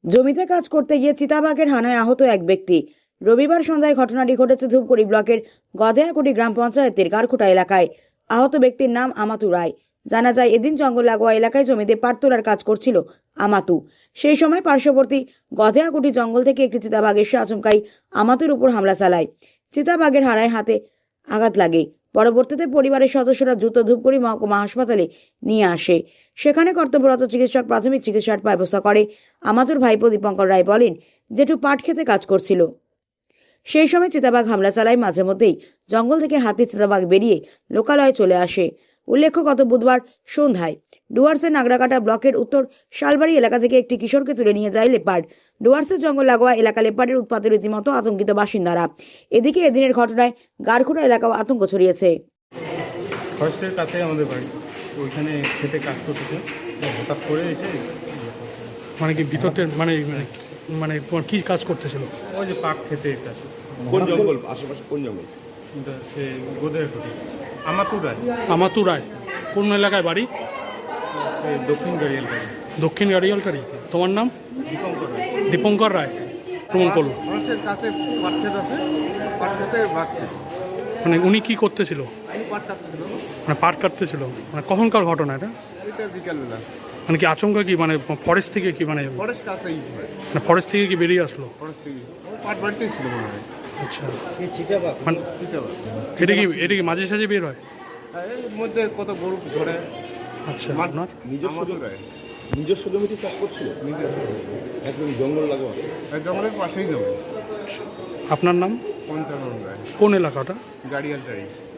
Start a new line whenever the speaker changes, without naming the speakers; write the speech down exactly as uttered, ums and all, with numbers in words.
জমিতে কাজ করতে গিয়ে চিতাবাঘের হানায় আহত এক ব্যক্তি। রবিবার সন্ধ্যায় ঘটনাটি ঘটেছে ধূপগুড়ি ব্লকের গধেয়াকুটি গ্রাম পঞ্চায়েতের গারখুটা এলাকায়। আহত ব্যক্তির নাম আমাতু রায়। জানা যায়, এদিন জঙ্গল লাগোয়া এলাকায় জমিতে পাট তোলার কাজ করছিল আমাতু। সেই সময় পার্শ্ববর্তী গধেয়াকুটি জঙ্গল থেকে একটি চিতাবাঘ এসে আচমকাই আমাতুর উপর হামলা চালায়। চিতাবাঘের হানায় হাতে আঘাত লাগে। পরবর্তীতে পরিবারের সদস্যরা দ্রুত ধূপগুড়ি মহকুমা হাসপাতালে নিয়ে আসে। সেখানে কর্তব্যরত চিকিৎসক প্রাথমিক চিকিৎসার ব্যবস্থা করে। আমাতুর ভাইপো দীপঙ্কর রায় বলেন, জেঠু পাট খেতে কাজ করছিল। সেই সময় চিতাবাঘ হামলা চালায়। মাঝে মধ্যেই জঙ্গল থেকে হাতি চিতাবাঘ বেরিয়ে লোকালয়ে চলে আসে। উল্লেখ্য, গত বুধবার সন্ধ্যায় ডুয়ার্সের নাগরাকাটা ব্লকের উত্তর শালবাড়ি এলাকা থেকে একটি কিশোরকে তুলে নিয়ে যায় লেপার্ড। ডুয়ার্সের জঙ্গল লাগোয়া এলাকা লেপার্ডের উৎপাতের রীতিমতো আতঙ্কিত বাসিন্দারা। এদিকে এদিনের ঘটনায় গারখুটা এলাকাও আতঙ্ক ছড়িয়েছে।
ফরেস্টের কাছে আমাদের বাড়ি, ওইখানে খেতে কাজ করতেছে, হঠাৎ করে এসে
মানে কি ভিতরতে মানে মানে কি কাজ করতেছিল?
ওই যে পাক খেতে কাজ।
কোন জঙ্গল আশেপাশে? কোন জঙ্গল?
সে গোদের ঘটি আমাতু রায়।
আমাতু রায় কোন এলাকায় বাড়ি?
দক্ষিণ গাড়িয়াল বাড়ি।
দক্ষিণ গাড়িয়ালকারি। তোমার নাম?
দীপঙ্কর রায়।
দীপঙ্কর রায়। প্রমাণ করলো
ফরেস্টের কাছে পাট খেত আছে, পাট খেতে বাঘছে।
মানে উনি কি করতেছিল?
পাট কাটতেছিল।
মানে পাট কাটতেছিল। মানে কখনকার ঘটনা এটা?
এটা বিকালবেলা।
মানে কি আচমকা কি মানে ফরেস্ট থেকে কি মানে
ফরেস্ট কাছেই
মানে ফরেস্ট থেকে কি বেরিয়ে আসলো?
ফরেস্ট থেকে পাট বাড়িতেই ছিল মনে হয়।
আচ্ছা, মানে
চিতাবাঘ।
এটা কি এটা কি মাঝে সাঝে বের হয়?
এর মধ্যে কত গরু ধরে।
আচ্ছা, আপনার
নিজস্ব জমি, নিজস্ব জমিতে চাষ করছিল, একদম জঙ্গল লাগোয়া।
জঙ্গলের পাশেই জমি।
আপনার নাম?
পঞ্চানন রায়।
কোন এলাকাটা?
গাড়িয়াল গাড়ি।